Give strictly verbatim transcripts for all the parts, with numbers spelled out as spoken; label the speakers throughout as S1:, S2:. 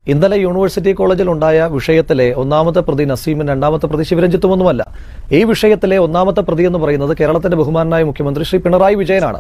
S1: ഇന്നലെ യൂണിവേഴ്സിറ്റി കോളേജിൽ ഉണ്ടായ വിഷയത്തിലെ ഒന്നാമത്തെ പ്രതി നസീമും രണ്ടാമത്തെ പ്രതി ശിവരഞ്ജിത്തുമൊന്നുമല്ല. ഈ വിഷയത്തിലെ ഒന്നാമത്തെ പ്രതി എന്ന് പറയുന്നത് കേരളത്തിന്റെ ബഹുമാനായ മുഖ്യമന്ത്രി ശ്രീ പിണറായി വിജയനാണ്.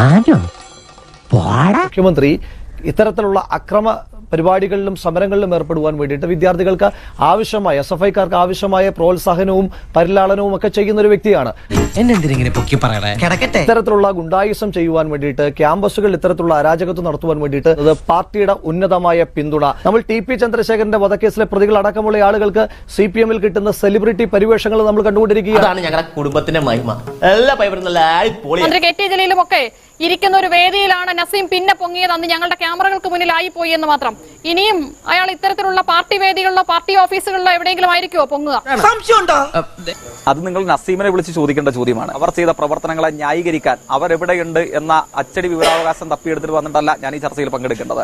S1: മുഖ്യമന്ത്രി ഇത്തരത്തിലുള്ള അക്രമ പരിപാടികളിലും സമരങ്ങളിലും ഏർപ്പെടുവാൻ വേണ്ടിയിട്ട് വിദ്യാർത്ഥികൾക്ക് ആവശ്യമായ എസ് എഫ് ഐക്കാർക്ക് ആവശ്യമായ പ്രോത്സാഹനവും പരിലാളനവും ഒക്കെ ചെയ്യുന്ന ഒരു വ്യക്തിയാണ്. ഇത്തരത്തിലുള്ള ഗുണ്ടായിസം ചെയ്യുവാൻ വേണ്ടിയിട്ട് ക്യാമ്പസുകളിൽ ഇത്തരത്തിലുള്ള അരാജകത്വം നടത്തുവാൻ വേണ്ടിയിട്ട് അത് പാർട്ടിയുടെ ഉന്നതമായ പിന്തുണ. നമ്മൾ ടി പി ചന്ദ്രശേഖരന്റെ വധക്കേസിലെ പ്രതികൾ അടക്കമുള്ള ആളുകൾക്ക് സി പി എമ്മിൽ കിട്ടുന്ന സെലിബ്രിറ്റി പരിവേഷങ്ങൾ നമ്മൾ കണ്ടുകൊണ്ടിരിക്കുകയാണ്.
S2: ഞങ്ങളുടെ കുടുംബത്തിന്റെ മഹിമ എല്ലാ
S3: ഒക്കെ ഇരിക്കുന്ന ഒരു വേദിയിലാണ് നസീം പിന്നെ പൊങ്ങിയത്. അന്ന് ഞങ്ങളുടെ ക്യാമറകൾക്ക് മുന്നിലായി പോയി എന്ന് മാത്രം. ഇനിയും അയാൾ ഇത്തരത്തിലുള്ള പാർട്ടി വേദികളിലോ പാർട്ടി ഓഫീസുകളിലോ എവിടെയെങ്കിലും ആയിരിക്കുമോ പൊങ്ങുക?
S4: അത് നിങ്ങൾ നസീമിനെ വിളിച്ച് ചോദിക്കേണ്ട ചോദ്യമാണ്. അവർ ചെയ്ത പ്രവർത്തനങ്ങളെ ന്യായീകരിക്കാൻ അവരെവിടെയുണ്ട് എന്ന അച്ചടി വിവരാവകാശം തപ്പിയെടുത്തിട്ട് വന്നിട്ടല്ല ഞാൻ ഈ ചർച്ചയിൽ പങ്കെടുക്കേണ്ടത്.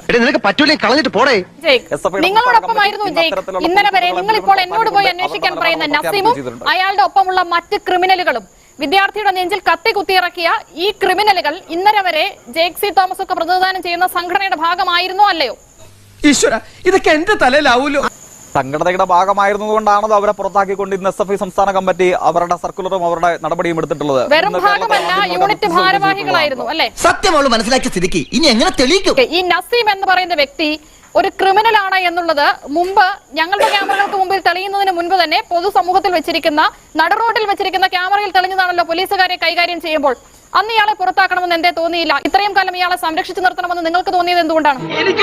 S3: നിങ്ങളോടൊപ്പമായിരുന്നു ജയ്ക്ക് ഇന്നലെ വരെ. നിങ്ങൾ ഇപ്പോൾ എന്നോട് പോയി അന്വേഷിക്കാൻ പറയുന്ന നസീമും അയാളുടെ ഒപ്പമുള്ള മറ്റ് ക്രിമിനലുകളും വിദ്യാർത്ഥിയുടെ നെഞ്ചിൽ കത്തി കുത്തിയിറക്കിയ ഈ ക്രിമിനലുകൾ ഇന്നലെ വരെ ജേക്ക് സി തോമസ് ഒക്കെ പ്രതിനിധാനം ചെയ്യുന്ന സംഘടനയുടെ ഭാഗമായിരുന്നോ അല്ലയോ?
S5: ഈശ്വര, ഇതൊക്കെ എന്റെ തലയിലാവൂലോ.
S4: സംഘടനയുടെ ഭാഗമായിരുന്നതുകൊണ്ടാണത് അവരെ പുറത്താക്കിക്കൊണ്ട് ഇന്ന് എസ് എഫ് ഐ സംസ്ഥാന കമ്മിറ്റി അവരുടെ സർക്കുലറും അവരുടെ നടപടിയും എടുത്തിട്ടുള്ളത്.
S3: വെറും ഭാഗമല്ല, യൂണിറ്റ് ഭാരവാഹികളായിരുന്നു അല്ലെ?
S2: സത്യമുള്ള മനസ്സിലാക്കിയ സ്ഥിതിക്ക് ഇനി എങ്ങനെ തെളിയിക്കും?
S3: ഈ നസീം എന്ന് പറയുന്ന വ്യക്തി ഒരു ക്രിമിനൽ ആണ് എന്നുള്ളത് മുമ്പ് ഞങ്ങളുടെ ക്യാമറകൾക്ക് മുമ്പിൽ തെളിയുന്നതിന് മുൻപ് തന്നെ പൊതുസമൂഹത്തിൽ വെച്ചിരിക്കുന്ന നടുറോഡിൽ വെച്ചിരിക്കുന്ന ക്യാമറയിൽ തെളിഞ്ഞതാണല്ലോ പോലീസുകാരെ കൈകാര്യം ചെയ്യുമ്പോൾ. അന്ന് ഇയാളെ പുറത്താക്കണമെന്ന് എന്തേ തോന്നിയില്ല? ഇത്രയും കാലം ഇയാളെ സംരക്ഷിച്ചു നിർത്തണമെന്ന് നിങ്ങൾക്ക് തോന്നിയത് എന്തുകൊണ്ടാണ്?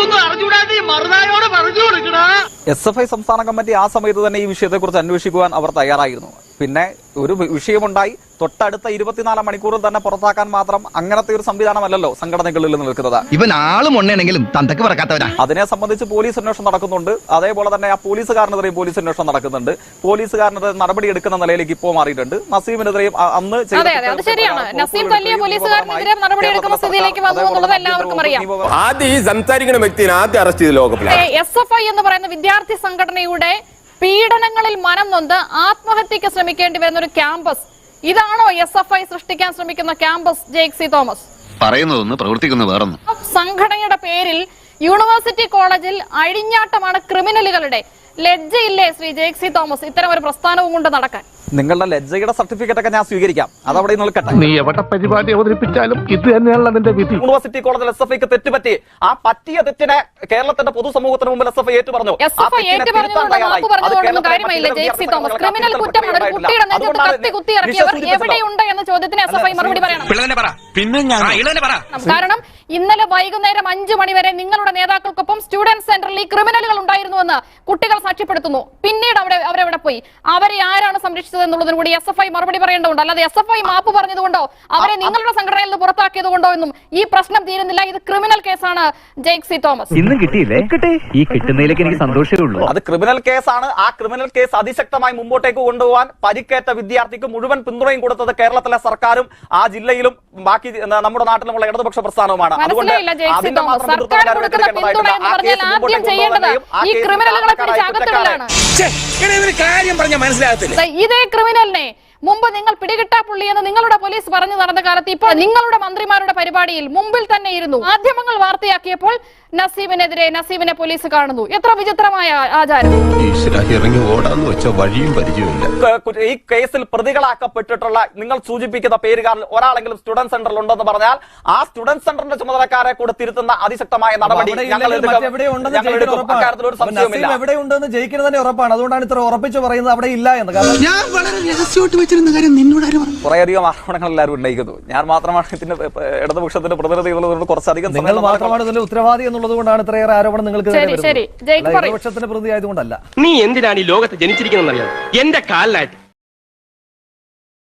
S4: എസ് എഫ് ഐ സംസ്ഥാന കമ്മിറ്റി ആ സമയത്ത് തന്നെ ഈ വിഷയത്തെ കുറിച്ച് അന്വേഷിക്കുവാൻ അവർ തയ്യാറായിരുന്നു. പിന്നെ ഒരു വിഷയമുണ്ടായി, തൊട്ടടുത്ത ഇരുപത്തിനാല് മണിക്കൂറിൽ തന്നെ പുറത്താക്കാൻ മാത്രം അങ്ങനത്തെ ഒരു സംവിധാനമല്ലോ സംഘടനകളിൽ നിൽക്കുന്നത്.
S5: ഇവൻ ആളും ഒന്നെങ്കിലും തന്തക്ക് പറക്കാത്തവരാ.
S4: അതിനെ സംബന്ധിച്ച് പോലീസ് അന്വേഷണം നടക്കുന്നുണ്ട്. അതേപോലെ തന്നെ ആ പോലീസുകാരനെതിരെയും പോലീസ് അന്വേഷണം നടക്കുന്നുണ്ട്. പോലീസുകാരനെതിരെ നടപടി എടുക്കുന്ന നിലയിലേക്ക് ഇപ്പോൾ മാറിയിട്ടുണ്ട്. നസീമിനെതിരെയും അന്ന്
S6: ആദ്യം ഈ സംസാരിക്കുന്ന വ്യക്തിയെ ആദ്യം അറസ്റ്റ് ചെയ്ത് ലോകപ്പിലാണ്.
S3: എസ് എഫ് ഐ എന്ന് പറയുന്ന വിദ്യാർത്ഥി സംഘടനയുടെ പീഡനങ്ങളിൽ മനം നൊന്ത് ആത്മഹത്യക്ക് ശ്രമിക്കേണ്ടി വരുന്ന ഒരു ക്യാമ്പസ്, ഇതാണോ എസ് എഫ് ഐ സൃഷ്ടിക്കാൻ ശ്രമിക്കുന്ന ക്യാമ്പസ്? ജേക്ക് സി തോമസ്
S7: പറയുന്നതൊന്ന് പ്രവർത്തിക്കുന്ന വേറൊന്നും.
S3: സംഘടനയുടെ പേരിൽ യൂണിവേഴ്സിറ്റി കോളേജിൽ അഴിഞ്ഞാട്ടമാണ് ക്രിമിനലുകളുടെ. ലജ്ജയില്ലേ ശ്രീ ജേക്ക് സി തോമസ് ഇത്തരം ഒരു പ്രസ്ഥാനവും കൊണ്ട് നടക്കാൻ?
S4: നിങ്ങളുടെ ലജ്ജയുടെ സർട്ടിഫിക്കറ്റ് ഒക്കെ ഞാൻ സ്വീകരിക്കാം, അതവിടെ നിൽക്കട്ടെ.
S8: നീ എവിടെ പരിപാടി അവതരിപ്പിച്ചാലും ഇത് തന്നെയാണ് അതിന്റെ വിധി.
S4: യൂണിവേഴ്സിറ്റി കോളേജിൽ എസ് എഫ് ഐക്ക് തെറ്റുപറ്റി. ആ പറ്റിയ തെറ്റിനെ കേരളത്തിന്റെ പൊതുസമൂഹത്തിന് മുമ്പിൽ എസ് എഫ് ഐ ഏറ്റു പറഞ്ഞു.
S3: എവിടെയുണ്ട് എന്ന ചോദ്യത്തിന് എസ് എഫ് ഐ മറുപടി പറയണം. കാരണം ഇന്നലെ വൈകുന്നേരം അഞ്ചു മണിവരെ നിങ്ങളുടെ നേതാക്കൾക്കൊപ്പം സ്റ്റുഡന്റ് സെന്ററിൽ ഈ ക്രിമിനലുകൾ ഉണ്ടായിരുന്നുവെന്ന് കുട്ടികൾ സാക്ഷ്യപ്പെടുത്തുന്നു. പിന്നീട് അവിടെ അവരെവിടെ പോയി? അവരെ ആരാണ് സംരക്ഷിച്ചത് എന്നുള്ളതിന് കൂടി എസ് എഫ് ഐ മറുപടി പറയേണ്ടതുണ്ട്. അല്ലാതെ എസ് എഫ് ഐ മാപ്പ് പറഞ്ഞതുകൊണ്ടോ അവരെ നിങ്ങളുടെ സംഘടനയിൽ നിന്ന് പുറത്താക്കിയത് കൊണ്ടോ എന്നും ഈ പ്രശ്നം തീരുന്നില്ല. ഇത് ക്രിമിനൽ കേസാണ് ജേക്ക് സി തോമസ്.
S9: ഇന്നും കിട്ടിയില്ലേ? ഈ കിട്ടുന്നതിലേക്ക് എനിക്ക് സന്തോഷമേ ഉള്ളൂ.
S4: അത് ക്രിമിനൽ കേസാണ്. ആ ക്രിമിനൽ കേസ് അതിശക്തമായി മുമ്പോട്ടേക്ക് കൊണ്ടുപോകാൻ പരിക്കേറ്റ വിദ്യാർത്ഥിക്ക് മുഴുവൻ പിന്തുണയും കൊടുത്തത് കേരളത്തിലെ സർക്കാരും ആ ജില്ലയിലും ബാക്കി നമ്മുടെ നാട്ടിലുമുള്ള ഇടതുപക്ഷ പ്രസ്ഥാനവുമാണ്. അതുകൊണ്ട്
S3: ഇതേ ക്രിമിനലിനെ മുമ്പ് നിങ്ങൾ പിടികിട്ടാ പുള്ളി എന്ന് നിങ്ങളുടെ പോലീസ് പറഞ്ഞു നടന്ന കാലത്ത് ഇപ്പോൾ നിങ്ങളുടെ മന്ത്രിമാരുടെ പരിപാടിയിൽ മുമ്പിൽ തന്നെ ഇരുന്നു. മാധ്യമങ്ങൾ വാർത്തയാക്കിയപ്പോൾ നസീമിനെതിരെ നസീമിനെ പോലീസ് കാണുന്നു. എത്ര വിചിത്രമായ ആചാരം!
S4: ഈ കേസിൽ പ്രതികളാക്കപ്പെട്ടിട്ടുള്ള നിങ്ങൾ സൂചിപ്പിക്കുന്ന പേരുകാരിൽ ഒരാളെങ്കിലും സ്റ്റുഡന്റ് സെന്ററിൽ ഉണ്ടെന്ന് പറഞ്ഞാൽ ആ സ്റ്റുഡന്റ് സെന്ററിന്റെ ചുമതലക്കാരെ കൂടെ തിരുത്തുന്ന അതിശക്തമായ നടപടി അക്കാര്യത്തിൽ ഒരു സംശയവുമില്ല.
S1: എവിടെയുണ്ടെന്ന് ജയിക്കുന്നത് തന്നെ ഉറപ്പാണ്. അതുകൊണ്ടാണ് ഇത്ര ഉറപ്പിച്ച് പറയുന്നത് അവിടെ ഇല്ല എന്ന്.
S4: കുറേയധികം ആരോപണങ്ങൾ എല്ലാവരും ഉന്നയിക്കുന്നു. ഞാൻ മാത്രമാണ് ഇതിന്റെ ഇടതുപക്ഷത്തിന്റെ പ്രതിനിധി എന്നുള്ളത് കുറച്ചധികം
S1: മാത്രമാണ് ഇതിന്റെ ഉത്തരവാദി എന്നുള്ളത് കൊണ്ടാണ് ഇത്രയേറെ ആരോപണം നിങ്ങൾക്ക് ഇടതുപക്ഷത്തിന്റെ പ്രതിനിധി ആയതുകൊണ്ടല്ല.
S10: നീ എന്തിനാണ് ഈ ലോകത്ത് ജനിച്ചിരിക്കുന്നത്? എന്റെ കാലിലായിട്ട്